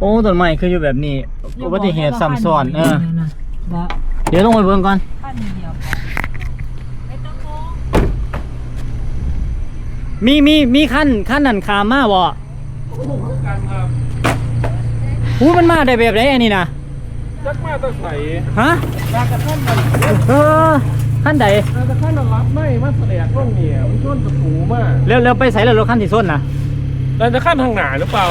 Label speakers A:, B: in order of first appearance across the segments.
A: อ้ต้นไม้คืออยู่แบบนี้อุบัติเหตุซ้ำซ้อนเดี๋ยวลงไปเบิ่งก่อนมีขั้นนั่นขามมาบ่มันมาได้แบบไหนอันนี้นะ
B: จักมาตะไคร่
A: ฮะ
B: มากระท่านมัน
A: ขั้นใด
B: มากระท่านมันรับไม่มาแสดงร่องเนี่ยมันชนตะปูมาก
A: เร็วไปใส่แล้วรถขั้นที่ส้นนะ
B: เราจะขั้นทางหนาหรือเปล่า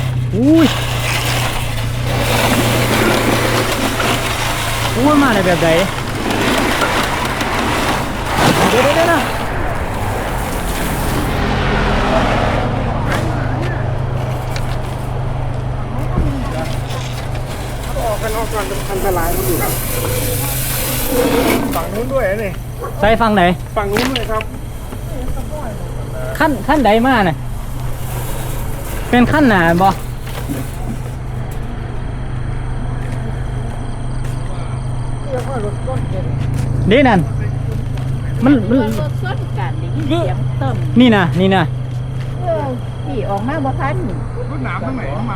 A: มาได้แบบไหนเดี๋ยวนะ
B: ออกกันอันตรายมันอยู่ฝั่งนู้นด้วยนี่
A: ใส่ฝั่งไหน
B: ฝั่งนู้นเลยครับ
A: ขั้นใดมาเนี่ยเป็นขั้นหนาบ่นี่นั่นมัน
C: รถส้นกันเสียงเติม
A: นี่นะ
C: ขี่ออกมาบ่ทัน
B: รถหนามทางไหนเข้ามา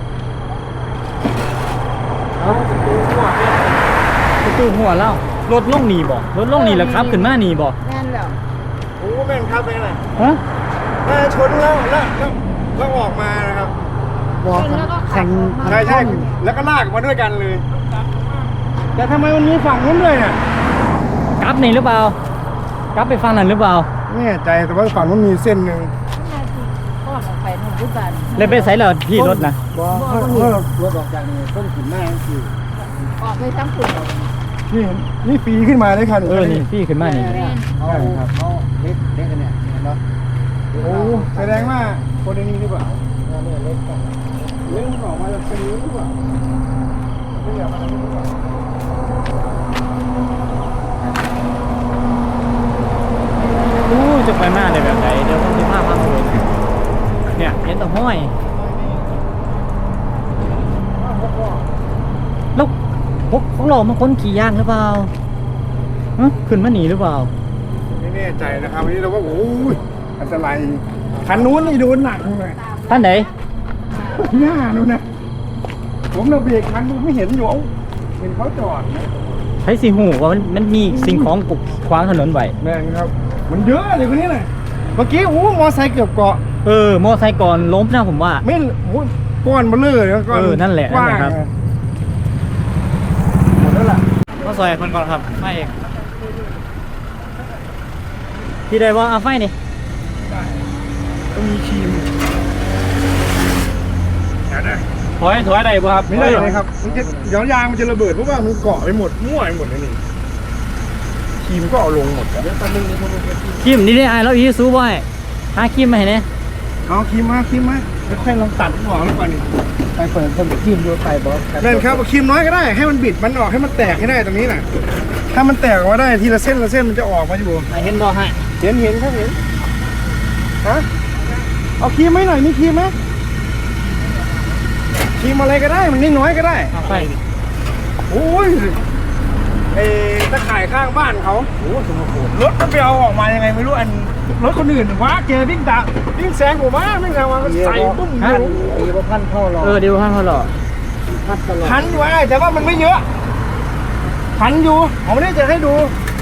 A: ประตูหัวเล่ารถล่องหนีบ่รถล่องหนีแล้วครับขึ้นมาหนีบ่
C: แม่นแล้ว
B: โอ้แม่นครับเป็นไง
A: ฮะ
B: ชนแล้วออกมานะครับ
C: บอกแข่ง
B: ใช่แล้วก็ลากมาด้วยกันเลยแต่ทำไมมันมีฝั่งนู้นด้วยเนี่ย
A: กลับนี่หรือเปล่ากลับไปฝั่งนั้นหรือเปล่า
B: ไม่แน่ใจแต่ว่าฝั่งนู้นมีเส้นหนึ่ง
C: ก็ออกไปนู่นด้วยกัน
A: เลยไปใส่แล้วที่รถนะ
B: รถออกจากนี่ต้นขึ้นหน้าคือ
C: ออกไปทั้งฝุ่น
B: นี่ฟรีขึ้นมาเลยค่ะ
A: นี่ฟรีขึ้นมานี่
B: เขาเล็กกันเนี่ยเนาะโอ้แสดงว่าคนนี้หรือเปล่าเล็กออกมาจากซีหรือเปล่าไม่อยากมาหรือเปล่า
A: จะไปมาได้แบบไหนเดี๋ยวต้องมีภาพดูเนี่ยเห็นตะห้อยแล้วพวกเรามาค้นขี่ยากหรือเปล่าขึ้นมาหนีหรือเปล่า
B: ไม่แน่ใจนะครับวันนี้เราก็โอ้ยอันตรายคันนู้นนี่โดนหนักเลย
A: ท่านไหน
B: หน้านู้นนะผมเราเบรกคันไม่เห็นอยู่เห็นเขาจอด
A: ใช้สีหูว่ามันมีสิ่งของกุกขวางถนนไว้
B: แม่งครับมันเยอะเลยคนนี้เลยเมื่อกี้มอไซค์เกือบเกาะ
A: มอไซค์ก่อนล้มนะผมว่า
B: ไม่ก้อนมาเลยก้อน
A: นั่นแหละครับหมดแล้วล่ะก็ซอยมันก่อนครับไม่เองที่ใดว่าเอาไฟนี่
B: ต้องมีครีม
A: ถอยได้ป่ะครับ
B: ไม่ได้เลยครับมันจะย้อนยางมันจะระเบิดเพราะว่ามันเกาะไปหมดมั่วไปหมดเลยนี่ครีมก็เอาลงหมดเดี๋ยวตอนนึง
A: ครีมนี่ได้ไอ้แล้วอีซูบ่อยหาครีมมาเห็นไหม
B: เอาครีมมาค่อยลองตัดหัวมันก่อนนี่
A: ไปเปิดคนครีมดูไปบอส
B: นั่นครับครีมน้อยก็ได้ให้มันบิดมันออกให้มันแตกให้ได้ตรงนี้น่ะถ้ามันแตกออกมาได้ทีละเส้นมันจะออกมาอยู่
A: เห็นบอให้
B: เห็นครับเห็นฮะเอาครีมไหมหน่อยมีครีมไหมครีมอะไรก็ได้มันน้อยก็ได้
A: ไป
B: โอ้ยตะข่ายข้างบ้านเขาโอ้สมบูรณ์รถมันไปเอาออกมายังไงไม่รู้อันรถคนอื่นว้าเจอวิ่งแซงผมวิ่งทางมาใส่ปุ้ม
A: เดี๋ยวพันเข้าหล่อเดี๋ยวพันเข้าหล่อ
B: พันอยู่แต่ว่ามันไม่เยอะพันอยู่ผมไม่ได้จะให้ดู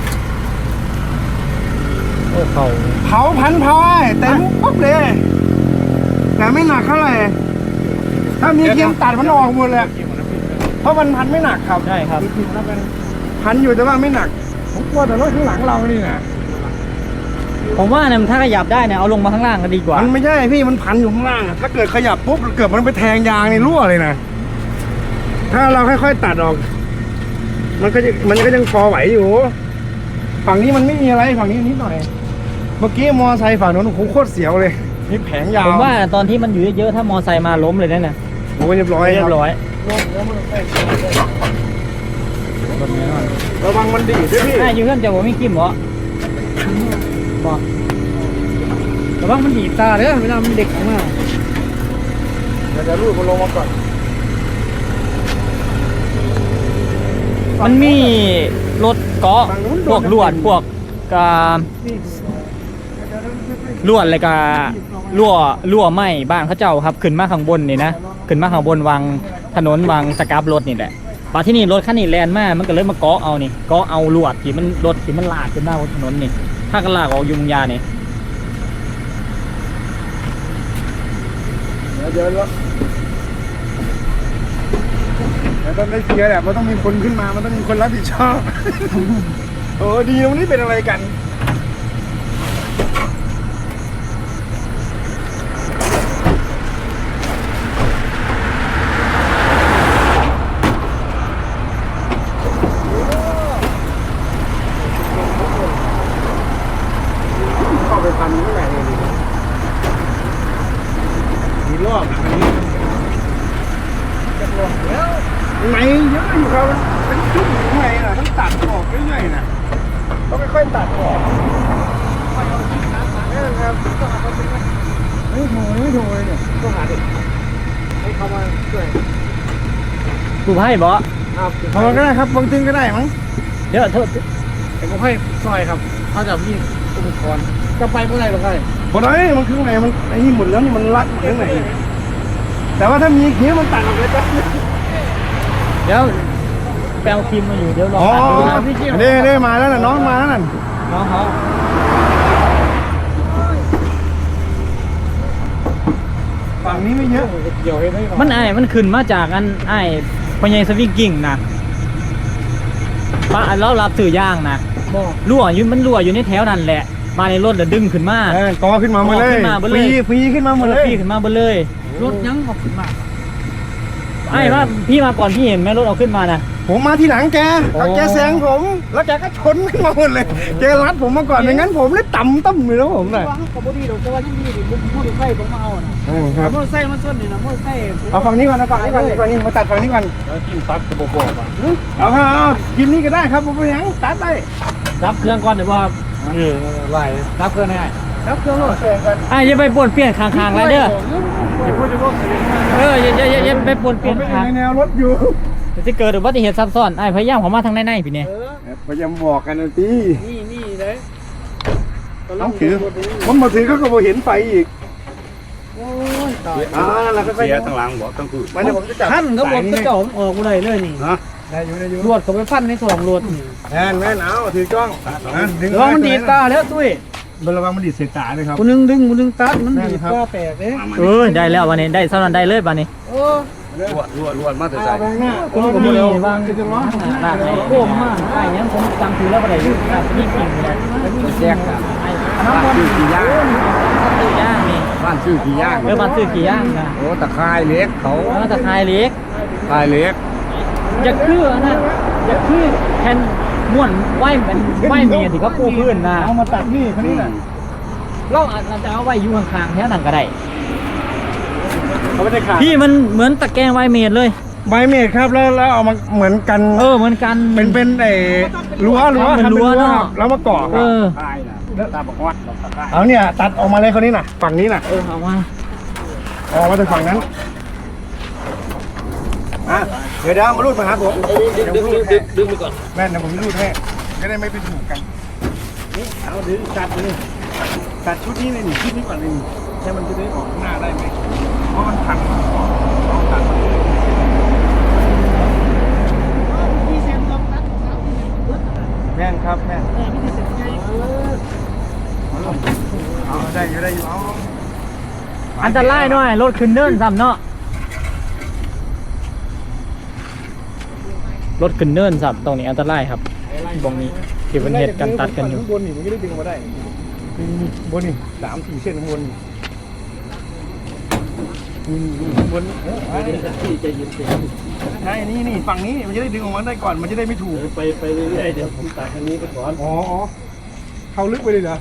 A: โอ้
B: เผาพันแต่มุกปุ๊บเลยแต่ไม่หนักเท่าไหร่ถ้ามีครีมตัดมันออกหมดเลยเพราะมันพันไม่หนักครับ
A: ใช่ครับ
B: พันอยู่แต่ว่าไม่หนักผมกลัวแต่รถข้างหลังเรานี่นะ
A: ผมว่าเนี่ยถ้าขยับได้เนี่ยเอาลงมาข้างล่างก็ดีกว่า
B: มันไม่ใช่พี่มันพันอยู่ข้างล่างถ้าเกิดขยับปุ๊บเกิดมันไปแทงยางในรั่วเลยนะถ้าเราค่อยๆตัดออกมันก็ยังพอไหวอยู่ฝั่งนี้มันไม่มีอะไรฝั่งนี้นิดหน่อยเมื่อกี้มอไซค์ฝั่งโน้นโคตรเสียวเลยนี่แผงยาว
A: ผมว่าตอนที่มันอยู่เยอะๆถ้ามอไซค์มาล้มเลยนั่นน่ะ
B: โอ้เรียบร้อยระวังมันดีด้วยพี่
A: อยู่เพื่อนจะบอกไม่กิ้มเหรอบอกระวังมันดีตาเด้อเวลามันเด็กมาก
B: จะรูดมันลงมาก่อน
A: มันมีรถเกาะพวกลวดพวกลวดอะไรกะรั่วไหม้บ้านเขาเจ้าครับขึ้นมาข้างบนนี่นะขึ้นมาข้างบนวางถนนวางสกับรถนี่แหละปาที่นี่รถคันนี้แลนมามันก็เลยมาเกาะเอานี่เกาะเอาลวดที่มันรถที่มันลากขึ้นมาบนถนนนี่ถ้ากันลากออกยุงยานี่
B: เดี๋ยวมันต้องได้เคลียร์แหละมันต้องมีคนขึ้นมามันต้องมีคนรับผิดชอบ โอ้ดีวันนี้เป็นอะไรกันเข้าไปพันข้างในเลยมีรอบอันนี้จะรอบแล้วไหนเยอะอยู่ครับเป็นจุ่มอยู่ข้างในน่ะต้องตัดออกเรื่อยๆน่ะต้องค่อยๆตัดออกนี่ครับไม่ถูกเลยเนี่ยต้องหาเด็กให้เขามาช่วย
A: กูให้บ่
B: ครับเขาก็ได้ครับบางตึงก็ได้มั้ง
A: เดี๋ยวโทษ
B: แต่ผมให้ซอยครับเขาจะมีอุปกรณ์จะไปเมื่อไหร่หรอครับบ่ได้มันข้างในมันไอ้นี่หมดแล้วนี่มันรัดข้างในแต่ว่าถ้ามีเขี้ยวมันตัดออกเลยจ้ะ
A: เดี๋ยวแปลทีมมาอยู่เดี๋ยวรอ
B: อ๋อ
A: ตัดดูนะ
B: ได้มาแล้วน่ะน้องมาแล้วน่ะ
A: น้องเขา
B: ฝั่งนี้ไม่เยอะเกี่ยวให้ได้
A: มันขึ้นมาจากอันพญายสวิงกิ้งนะป้าเรารับสื่อย่างนะรั่วอยู่ในแถวนั่นแหละมาในรถเดี๋ยวดึงขึ้นมาก
B: อขึ้นมาหมดเลยฟรีขึ้นมาหมดเลย
A: พี่ขึ้นมาเบนเลย
C: รถยังออกขึ้นมา
A: ว่าพี่มาก่อนพี่เห็นไหมรถเอาขึ้นมานะ
B: ผมมาที่หลังแก
A: โอ้
B: แกแซงผมแล้วแกก็ชนขึ้นมาหมดเลยแกรัดผมมาก่อนไม่งั้นผมเลยต่ำเลยแล้วผมเลย
C: ว่าเขาบ่ดีดอกแต่ว่ายังดีดิมอเตอร์ไซค์ผมมาเอาน่ะ
B: ครับ
C: มอเตอร์ไซค์มันส้นนี่นะมอเตอร์ไซค์
B: เอาฝั่งนี้ก่อนฝั่งนี้มาตัดฝั่งนี้ก่อน
A: แล้วจิ้มซักกระบอกอ่ะ
B: เอากินนี้ก็ได้ครับผมยังตัดได้
A: รับเครื่องก่อนเดี๋ยวว่ารับเครื่องได้
B: ครับเครื่องรถเสร็จกัน
A: อย่าไปปนเปลี่ยนข้างๆแล้วเด้อ
B: อย่าพูดจะพูด
A: อย่าไปปนเป
B: ผ
A: ลี่ย
B: ม
A: น
B: ไม่
A: ข้าง
B: ในแนวรถอยู่
A: จะเกิดอุบัติเหตุซับซ้อนพยายามเขามาทางในพี่เนี่ย
B: พยายามบอกกันนะพี่
C: นี่เลย
B: ต้องถือผมมาถือเขาก็บ่เห็นไฟอีก
C: โอ้ยตาย
B: นั่นแหละค่อย
D: เสียทั้งหลังบอกทั้งคืน
B: มันเดี๋ยวผมจะจับ
C: ท่านเขาบอกกระจกออกกูเลยนี่
D: นะ
B: ได้อยู่
C: รวดเขาไปฟันในสองรวดนี่
B: แม่นเอาถือกล้องดึง
C: ระวังมันดีดตาแล้วตุ้ย
B: ระวังมันดีดเสียตาเลยครับ
C: กูนึงดึงกูนึงตัดมันดีดตาแตกเด้
A: ได้แล้ววันนี้ได้สำนันได้เลยวันนี้
C: โอ้
D: รวดมาแต่ใส่
A: ผมก็มีวางร้านไหนโค้งมากยังผมจำถือแล้วอะไรอยู่ร้านนี่กินเลยแจกอ่ะน้ำมันกี่ย่างย่างนี่
D: บ้านชื่อกี่ย่าง
A: มันซื้อกี่ย่างนะ
D: โอ้ตะไคร้เล็กเขา
A: ตะไคร้เล็ก
D: ไคร้เล็ก
A: อย่าคือนะอย่าคือแทนม้วนไหวเป็นไหวเมียที่เขาปูพื้นนะ
B: เอามาตัดนี่คนนี้น่ะ
A: เราอาจจะเอาไว้อยู่ข้างๆแถวนั้นก็ได้
B: เขาไม่ได้ขาด
A: พี่มันเหมือนตะแกรงไวเมดเลย
B: ใบเมดครับแล้วเอามาเหมือนกัน
A: เหมือนกัน
B: เป็นไอ้รั้ว
A: เป็นรั้วเนาะ
B: แล้วมาก่อ
D: ตายนะตาบอกว่าตะไคร้
B: เอาเนี่ยตัดออกมาเลยคนนี้น่ะฝั่งนี้น่ะ
A: เอามา
B: ออกมาจากฝั่งนั้นเดี๋ยวมารูดมาหาผมดึงไปก่อนแม่นนะผมรูดให้จะได้ไม่เป็นถูกกันนี่เอาดึงตัดเลยตัดชุดนี้เลยนี่ชุดนี้ก่อนเลยนี่ใช่มันจะได้ออกหน้าได้ไหมเพราะมันพันตัดแม่นครับแม่นเอาได้อยู่เอา
A: อันตรายหน่อยรถขึ้นเนินซ้ำเนาะรถขึ้นเนินซ้ำตรงนี้อันตรายครับตรงนี้ที่เป็นเหตุการตัดกันอยู่
B: บนนี่มันก็ได้ดึงมาได้บนนี่3-4 เส้นข้างบนบนใช่นี่ฝั่งนี้มันจะได้ดึงออกมาได้ก่อนมันจะได้ไม่ถูกไปเรื่อยๆเดี๋ยวผมตัดทางนี้ไปก่อนอ๋อเข้าลึกไปเลยเหรอ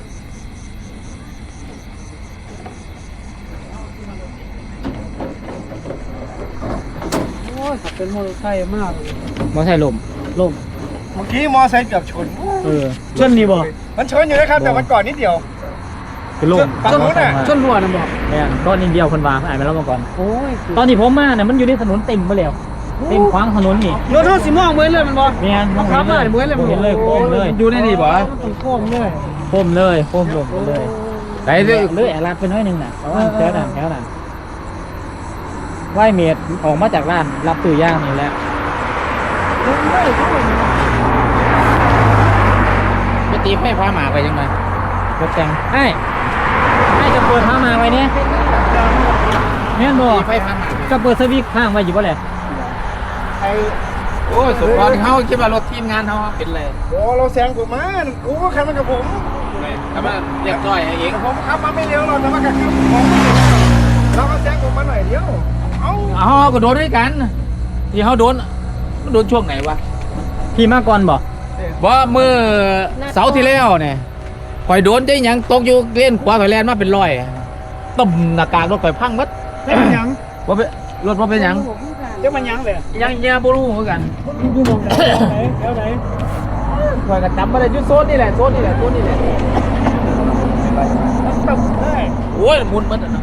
C: โอ้ยขับเป็นมอเตอร์ไซค์มาก
A: มอไซค์ลม
C: ลม
B: เมื่อกี้มอไซค์เกือบชน
A: ชนนี่บ่
B: มันชนอยู่นะครับแต่มันก่อนนิดเดียว
A: คือลม
B: ฝั่งนู้นน่ะ
C: ชนรัวนะบอก
A: เนี่ยก้อนนิดเดียวคนวางอ่านไปแล้วมาก่อน
C: โอ้ย
A: ตอนที่ผมมาเนี่ยมันอยู่ในถนนเต็มไปแล้วเต็มขวางถนนนี่
C: รถสิมองเหมือนเลยมันบอก
A: เนี่ย
C: มันขับเลยเหมือนเลย
A: เห็นเลยโค้งเลย
C: อยู่ในนี่บ่ต้องโค้งเลย
A: โค้งเลยโค้งลงเลย
E: ไหนเด้อ
A: เลื่อยลาดไปน้อยหนึงน่ะแถวนั้นไหวเมดออกมาจากร้านรับตู้ย่างนี่แหละไปตีไฟพาหมาไปยังไงรถแต่งไอ้จะเปิดพาหมาไว้เนี่ยแม่นบ่
E: ไฟพัง
A: จะเปิดสวิตช์ข้างไว้อยู่บ่แหละ
E: โอ้ยสมพรเขาคิดว่ารถทีมงานเขาเป็นไร
B: โอ้เราแซงผมมากูก็ขับมากับผม
E: ถ้ามาเรียกจ้อยเอง
B: ผมขับมาไม่เร็วหรอกแต่ว่าขับผมเราก็แซงผมมาหน่อยเดียวเอ้า
E: อ๋อก็โดนด้วยกันที่เขาโดนช่วงไหนวะ
A: พี่มาก่อนบ่
E: ว่าเมื่อเสาร์ที่แล้วเนี่ยข่อยโดนใจหยังตกอยู่เล่นขวาข่อยแลนมาเป็นร้อยต้มหน้ากากรถข่อยพังหมัด
B: เป็นยัง
E: ว่าเป็นรถว่าเป็นหยัง
C: เจ้ามันยังเลย
E: ยังเงียบรู้เหมือนกัน
C: อยู่มองไหนแถวไหน
E: ข่อยก็จำไม่ได้ยุดโซนนี่แหละโซนนี่แหละโซนนี่แหละ
C: ตับได้
E: โอ้ยหมุนมันอ่ะ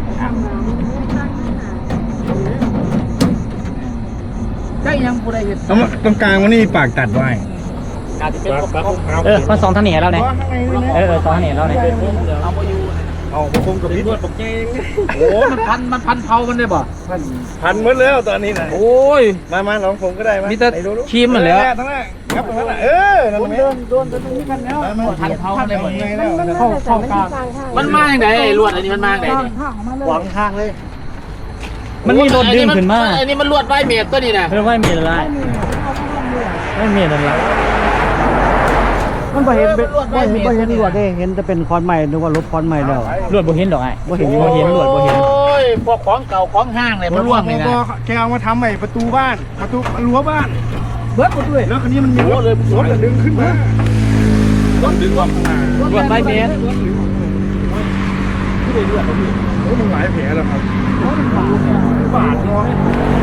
E: ได้ยังผู้ใดเห็น
B: ตรงกลางมันนี่ปากตัดไว้
E: อาจจะเป็นพวก
A: มันสองทางหนีเราเนี่ย
B: ข้างในนี่นะ
A: สองทางหนีเราเนี่ย
E: เอามาอยู่
B: เอาผมกับพี่ผมเอง
E: โอ้มันพันเผามันได้ป่ะ
B: พันหมดแล้วตอนนี้นะ
E: โอ้ย
B: มาลองผมก็ได้มั้ย
E: มีแต่ครีมมันแล้ว
B: ทั้งนั้นครับตรงนั้นนั่นไหม
C: โดนตรงนี้กันแล้ว
E: พันเผามันได้หมด
B: ไงแล้ว
C: เข้ากลาง
E: มันมาอย่างไรลวดอันนี้มันมาอย่างไร
C: ข้างมาเลย
B: หวังข้างเลย
A: มันมีรถดึงขึ้นมา
E: อันนี้มันลวดใบเมียตัวนี้นะ
A: เพื่อว่ามีอะไรไม่มีอะไร
C: มันบ่เห็นเป็นบ่เห็นลวดเด้เห็นจะเป็นคอนใหม่นึกว่ารถคอนใหม่แล้ว
A: รวดบ่เห็นดอกไอ้
C: บ่เห็น
A: บ่เห็นรวดบ่เห็น
E: โอ้ยพวกของเก่าของห้างเลยมันร่วงเลยนะ
B: แกเอามาทำใหม่ประตูบ้านประตูรั้วบ้าน
C: เบิดหมดด้วย
B: แล้วคันนี้มันมีรถดึงขึ้นมาร
E: ถดึงออกมา
A: รวดใบเมตร
B: โอ้มันหลายแผลแล้วครับบาดเนาะ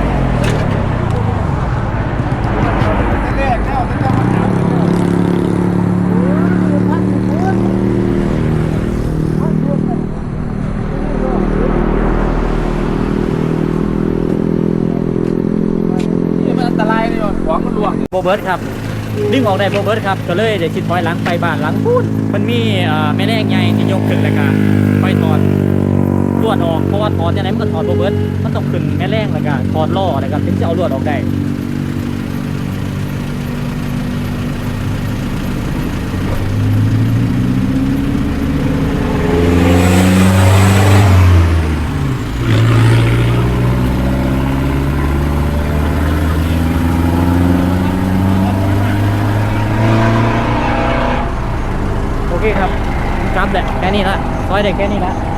B: แรกแล้วจะมาจับ
E: นี่มันอันตรายเลยของมันร่วง
A: โบเบิร์ตครับดึงออกได้โบเบิร์ตครับก็เลยเดี๋ยวคิดถอยหลังไปบ้านหลังพูดมันมีแม่แรงใหญ่ที่ยกขึ้นแล้วก็ไปถอดลวดออกเพราะว่าถอดยังไงมันก็ถอดโบเบิร์ตมันต้องขึ้นแม่แรงแล้วก็ถอดล้อแล้วก็ถึงจะเอาลวดออกได้โอเคครับครับแหละแค่นี้ละซอยได้แค่นี้ละ